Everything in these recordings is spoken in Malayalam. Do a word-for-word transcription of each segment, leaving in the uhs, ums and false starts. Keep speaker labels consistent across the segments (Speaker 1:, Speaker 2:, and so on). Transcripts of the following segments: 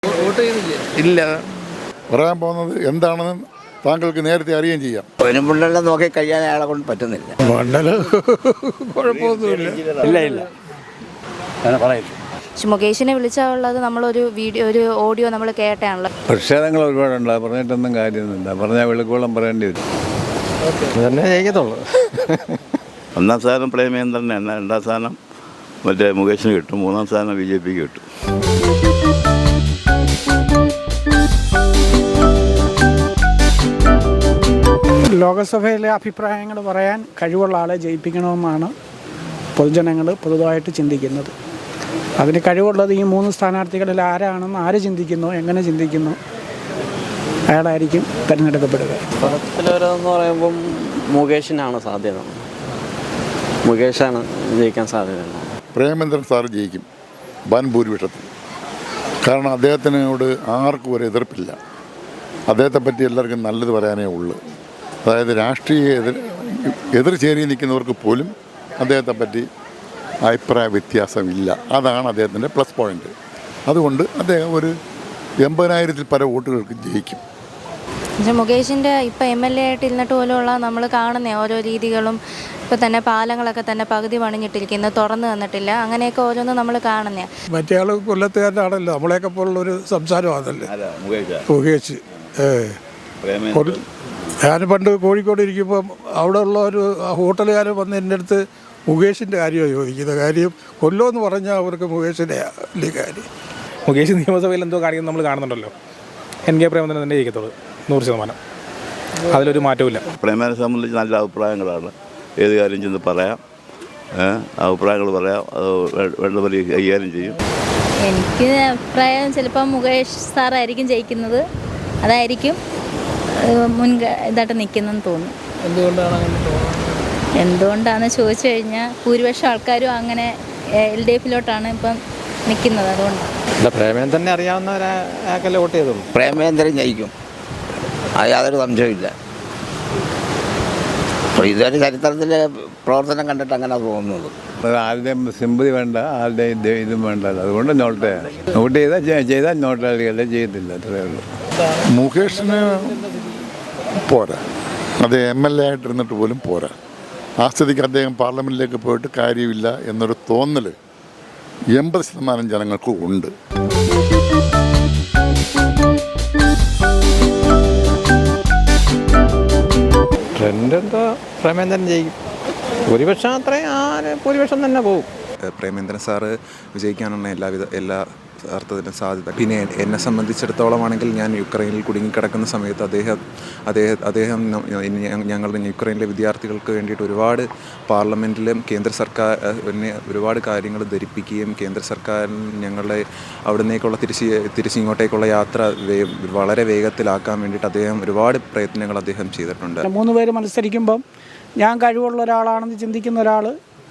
Speaker 1: ഇല്ല. പറയാൻ പോകുന്നത് എന്താണെന്ന് താങ്കൾക്ക് നേരത്തെ അറിയുകയും ചെയ്യാം.
Speaker 2: പെരുമ്പുള്ളെല്ലാം നോക്കി കഴിയാൻ അയാളെ കൊണ്ട് പറ്റുന്നില്ല.
Speaker 1: മണ്ഡലം കുഴപ്പമൊന്നുമില്ല.
Speaker 3: ഇല്ല ഇല്ല
Speaker 4: മുകേഷിനെ വിളിച്ചാലുള്ളത് നമ്മളൊരു വീഡിയോ ഒരു ഓഡിയോ നമ്മൾ കേട്ടാണല്ലോ.
Speaker 3: പ്രതിഷേധങ്ങൾ ഒരുപാടുണ്ട്, പറഞ്ഞിട്ടൊന്നും കാര്യമൊന്നുമില്ല. പറഞ്ഞാൽ വെളുക്കോളം പറയേണ്ടി വരും. തന്നെ ജയിക്കത്തുള്ളൂ.
Speaker 5: ഒന്നാം സ്ഥാനം പ്രേമേന്ദ്രൻ തന്നെ, രണ്ടാം സ്ഥാനം മറ്റേ മുകേഷിന് കിട്ടും, മൂന്നാം സ്ഥാനം ബി ജെ പിക്ക് കിട്ടും.
Speaker 6: ലോകസഭയിലെ അഭിപ്രായങ്ങൾ പറയാൻ കഴിവുള്ള ആളെ ജയിപ്പിക്കണമെന്നാണ് പൊതുജനങ്ങൾ പൊതുവായിട്ട് ചിന്തിക്കുന്നത്. അതിന് കഴിവുള്ളത് ഈ മൂന്ന് സ്ഥാനാർത്ഥികളിൽ ആരാണെന്ന് ആര് ചിന്തിക്കുന്നു, എങ്ങനെ ചിന്തിക്കുന്നു, അയാളായിരിക്കും തിരഞ്ഞെടുക്കപ്പെടുക.
Speaker 7: പടത്തിലൊരെന്ന് പറയുമ്പം മുകേഷിനാണ് സാധ്യത. മുകേഷാണ് ജയിക്കാൻ സാധ്യത.
Speaker 1: പ്രേമേന്ദ്രൻ സാറ് ജയിക്കും വൻ ഭൂരിപക്ഷത്തിൽ. കാരണം അദ്ദേഹത്തിനോട് ആർക്കും ഒരു എതിർപ്പില്ല. അദ്ദേഹത്തെ പറ്റി എല്ലാവർക്കും നല്ലത് പറയാനേ ഉള്ളൂ. അതായത് രാഷ്ട്രീയ എതിർ എതിർ ചേരി നിൽക്കുന്നവർക്ക് പോലും അദ്ദേഹത്തെ പറ്റി അഭിപ്രായ വ്യത്യാസമില്ല. അതാണ് അദ്ദേഹത്തിൻ്റെ പ്ലസ് പോയിൻ്റ്. അതുകൊണ്ട് അദ്ദേഹം ഒരു എൺപതിനായിരത്തിൽ പല വോട്ടുകൾക്ക് ജയിക്കും.
Speaker 4: മുകേഷിൻ്റെ ഇപ്പം എം എൽ എ ആയിട്ട് ഇരുന്നിട്ട് പോലുള്ള നമ്മൾ കാണുന്ന ഓരോ രീതികളും, ഇപ്പോൾ തന്നെ പാലങ്ങളൊക്കെ തന്നെ പകുതി പണിഞ്ഞിട്ടിരിക്കുന്നത്, തുറന്നു തന്നിട്ടില്ല, അങ്ങനെയൊക്കെ ഓരോന്നും നമ്മൾ കാണുന്നേ.
Speaker 8: മറ്റേ ആൾ കൊല്ലത്തുകാരനാണല്ലോ, നമ്മളെയൊക്കെ പോലുള്ളൊരു സംസാരമാണല്ലേ മുകേഷ്. ഞാൻ പണ്ട് കോഴിക്കോട് ഇരിക്കുമ്പം അവിടെ ഉള്ള ഒരു ഹോട്ടലുകാരൻ വന്ന് എൻ്റെ അടുത്ത് മുകേഷിൻ്റെ കാര്യമാണ് ചോദിക്കുന്നത്. കാര്യം കൊല്ലമെന്ന് പറഞ്ഞാൽ അവർക്ക് മുകേഷിൻ്റെ വലിയ കാര്യം.
Speaker 9: മുകേഷ് നിയമസഭയിൽ എന്തോ കാര്യം നമ്മൾ കാണുന്നുണ്ടല്ലോ. എൻ കെ പ്രേമചന്ദ്രൻ തന്നെ ജയിക്കത്തുള്ളൂ, നൂറ് ശതമാനം. അതിലൊരു മാറ്റമില്ല.
Speaker 5: പ്രേമനെ സംബന്ധിച്ച് നല്ല അഭിപ്രായങ്ങളാണ്. ഏത് കാര്യം ചെന്ന് പറയാം, അഭിപ്രായങ്ങൾ പറയാം, അത് വേണ്ടപോലെ കൈകാര്യം ചെയ്യും.
Speaker 4: എനിക്ക് അഭിപ്രായം ചിലപ്പോൾ മുകേഷ് സാറായിരിക്കും ജയിക്കുന്നത്. അതായിരിക്കും മുൻക ഇതായിട്ട് നിൽക്കുന്നതെന്ന് തോന്നുന്നു.
Speaker 7: എന്തുകൊണ്ടാണ് അങ്ങനെ തോന്നുന്നത്?
Speaker 4: എന്തുകൊണ്ടാണെന്ന് ചോദിച്ചു കഴിഞ്ഞാൽ ഭൂരിപക്ഷം ആൾക്കാരും അങ്ങനെ എൽ ഡി എഫിലോട്ടാണ് ഇപ്പം നിൽക്കുന്നത്. അതുകൊണ്ടാണ്.
Speaker 3: പ്രേമേന്ദ്രനെ അറിയാവുന്നവരാക്കല്ലേ വോട്ട് ചെയ്തോളൂ.
Speaker 2: പ്രേമേന്ദ്രൻ ജയിക്കും, അത് യാതൊരു സംശയമില്ല. അപ്പോൾ ഇതൊരു ചരിത്രത്തിലെ പ്രവർത്തനം കണ്ടിട്ട് അങ്ങനെ തോന്നുന്നത്.
Speaker 3: ആരുടെയും സിമ്പതി വേണ്ട, ആരുടെയും ഇതും വേണ്ട. അതുകൊണ്ട് നോട്ട് നോട്ട് ചെയ്താൽ ചെയ്താൽ നോട്ടാളികളെ ചെയ്യത്തില്ല, അത്രയേ ഉള്ളൂ.
Speaker 1: മുകേഷിന് പോരാ, അത് എം എൽ എ ആയിട്ടിരുന്നിട്ട് പോലും പോരാ. ആ സ്ഥിതിക്ക് അദ്ദേഹം പാർലമെൻറ്റിലേക്ക് പോയിട്ട് കാര്യമില്ല എന്നൊരു തോന്നൽ എൺപത് ശതമാനം ജനങ്ങൾക്ക് ഉണ്ട്.
Speaker 3: ട്രെൻഡ് എന്താ, പ്രേമേന്ദ്രൻ ജയിക്കും. ഭൂരിപക്ഷം അത്രയും ആ ഭൂരിപക്ഷം തന്നെ പോകും.
Speaker 10: പ്രേമേന്ദ്രൻ സാറ് വിജയിക്കാനുള്ള എല്ലാവിധ എല്ലാ അർത്ഥത്തിനും സാധ്യത. പിന്നെ എന്നെ സംബന്ധിച്ചിടത്തോളം ആണെങ്കിൽ ഞാൻ യുക്രൈനിൽ കുടുങ്ങിക്കിടക്കുന്ന സമയത്ത് അദ്ദേഹം അദ്ദേഹം അദ്ദേഹം ഞങ്ങളുടെ യുക്രൈനിലെ വിദ്യാർത്ഥികൾക്ക് വേണ്ടിയിട്ട് ഒരുപാട് പാർലമെൻറ്റിലും കേന്ദ്ര സർക്കാർ എന്നെ ഒരുപാട് കാര്യങ്ങൾ ധരിപ്പിക്കുകയും കേന്ദ്ര സർക്കാരിന് ഞങ്ങളുടെ അവിടെ നിന്നേക്കുള്ള തിരിച്ച് തിരിച്ചിങ്ങോട്ടേക്കുള്ള യാത്ര വളരെ വേഗത്തിലാക്കാൻ വേണ്ടിയിട്ട് അദ്ദേഹം ഒരുപാട് പ്രയത്നങ്ങൾ അദ്ദേഹം ചെയ്തിട്ടുണ്ട്.
Speaker 6: മൂന്ന് പേര് മത്സരിക്കുമ്പം ഞാൻ കഴിവുള്ള ഒരാളാണെന്ന് ചിന്തിക്കുന്ന ഒരാൾ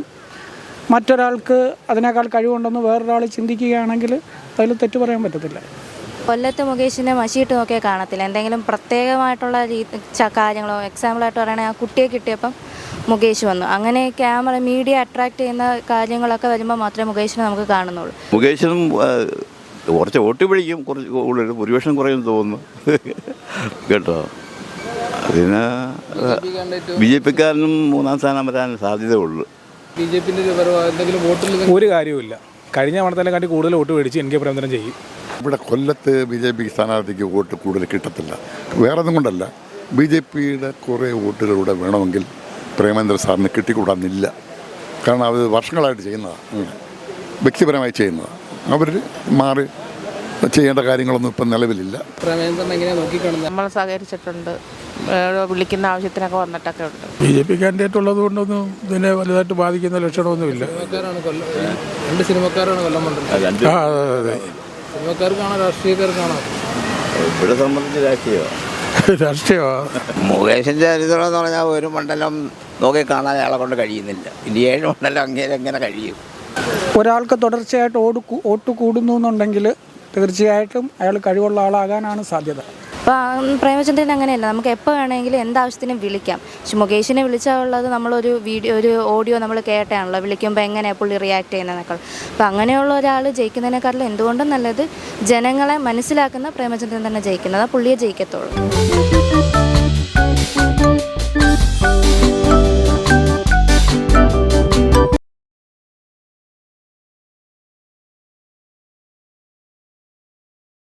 Speaker 6: മറ്റൊരാൾക്ക് അതിനേക്കാൾ കഴിവുണ്ടെന്ന് വേറൊരാൾ ചിന്തിക്കുകയാണെങ്കിൽ അതിൽ തെറ്റ് പറയാൻ പറ്റത്തില്ല.
Speaker 4: കൊല്ലത്ത് മുകേഷിനെ മഷിയിട്ട് നോക്കിയാൽ കാണത്തില്ല. എന്തെങ്കിലും പ്രത്യേകമായിട്ടുള്ള കാര്യങ്ങളോ, എക്സാമ്പിളായിട്ട് പറയുകയാണെങ്കിൽ ആ കുട്ടിയെ കിട്ടിയപ്പം മുകേഷ് വന്നു. അങ്ങനെ ക്യാമറ മീഡിയ അട്രാക്ട് ചെയ്യുന്ന കാര്യങ്ങളൊക്കെ വരുമ്പോൾ മാത്രമേ മുകേഷിനെ നമുക്ക് കാണുന്നുള്ളൂ.
Speaker 5: മുകേഷിനും കുറച്ച് വോട്ട് പിടിക്കും, കുറച്ച് കൂടുതൽ ഭൂരിപക്ഷം കുറയും തോന്നുന്നു കേട്ടോ. പിന്നെ ബി ജെ പിക്കാരനും മൂന്നാം സ്ഥാനം വരാൻ സാധ്യതയുള്ളൂ.
Speaker 7: ബി ജെ പിൻ്റെ എന്തെങ്കിലും വോട്ടിൽ
Speaker 9: ഒരു കാര്യവുമില്ല. കഴിഞ്ഞ തവണത്തേക്കാൾ കാട്ടി കൂടുതൽ വോട്ട് മേടിച്ച് എൻ കെ പ്രേമചന്ദ്രൻ ചെയ്യും.
Speaker 1: ഇവിടെ കൊല്ലത്ത് ബി ജെ പി സ്ഥാനാർത്ഥിക്ക് വോട്ട് കൂടുതൽ കിട്ടത്തില്ല. വേറെ ഒന്നും കൊണ്ടല്ല, ബി ജെ പിയുടെ കുറേ വോട്ടുകളിലൂടെ വേണമെങ്കിൽ പ്രേമേന്ദ്രൻ സാറിന് കിട്ടിക്കൂടാന്നില്ല. കാരണം അത് വർഷങ്ങളായിട്ട് ചെയ്യുന്നതാണ്, വ്യക്തിപരമായി ചെയ്യുന്നതാണ്. അവർ മാറി ചെയ്യേണ്ട കാര്യങ്ങളൊന്നും ഇപ്പം നിലവിലില്ല.
Speaker 7: പ്രേമേന്ദ്രൻ എങ്ങനെയാണ് നോക്കിക്കാണുന്നത്?
Speaker 11: നമ്മൾ സഹകരിച്ചിട്ടുണ്ട്, വിളിക്കുന്ന ആവശ്യത്തിനൊക്കെ വന്നിട്ടൊക്കെ ഉണ്ട്.
Speaker 8: ബി ജെ പി കാൻഡിഡേറ്റ് ഉള്ളത് കൊണ്ടൊന്നും ഇതിനെ വലുതായിട്ട് ബാധിക്കുന്ന ലക്ഷണമൊന്നുമില്ല.
Speaker 7: രണ്ട് സിനിമക്കാരാണ് കൊല്ലം മണ്ഡലം.
Speaker 8: ആ അതെ അതെ,
Speaker 7: സിനിമക്കാർക്കാണോ രാഷ്ട്രീയക്കാർക്കാണോ?
Speaker 5: ഇവിടെ സംബന്ധിച്ച് രാഷ്ട്രീയമാണ്
Speaker 8: രാഷ്ട്രീയമാണ്.
Speaker 2: മുകേഷിൻ്റെ ചരിത്രം എന്ന് പറഞ്ഞാൽ ഒരു മണ്ഡലം നോക്കി കാണാൻ അയാളെ കൊണ്ട് കഴിയുന്നില്ല. ഇനി ഏഴ് മണ്ഡലം അങ്ങനെ എങ്ങനെ കഴിയും?
Speaker 6: ഒരാൾക്ക് തുടർച്ചയായിട്ട് ഓട് വോട്ട് കൂടുന്നു എന്നുണ്ടെങ്കിൽ തീർച്ചയായിട്ടും അയാൾ കഴിവുള്ള ആളാകാനാണ് സാധ്യത.
Speaker 4: അപ്പോൾ പ്രേമചന്ദ്രൻ അങ്ങനെയല്ല, നമുക്ക് എപ്പോൾ വേണമെങ്കിലും എന്താവശ്യത്തിനും വിളിക്കാം. പക്ഷെ മുകേഷിനെ വിളിച്ചാൽ ഉള്ളത് നമ്മളൊരു വീഡിയോ ഒരു ഓഡിയോ നമ്മൾ കേട്ടാണല്ലോ വിളിക്കുമ്പോൾ എങ്ങനെയാണ് പുള്ളി റിയാക്ട് ചെയ്യുന്നതെന്നൊക്കെ. അപ്പോൾ അങ്ങനെയുള്ള ഒരാൾ ജയിക്കുന്നതിനേക്കാളും എന്തുകൊണ്ടും നല്ലത് ജനങ്ങളെ മനസ്സിലാക്കുന്ന പ്രേമചന്ദ്രൻ തന്നെ ജയിക്കുന്നത്, പുള്ളിയെ ജയിക്കത്തുള്ളൂ.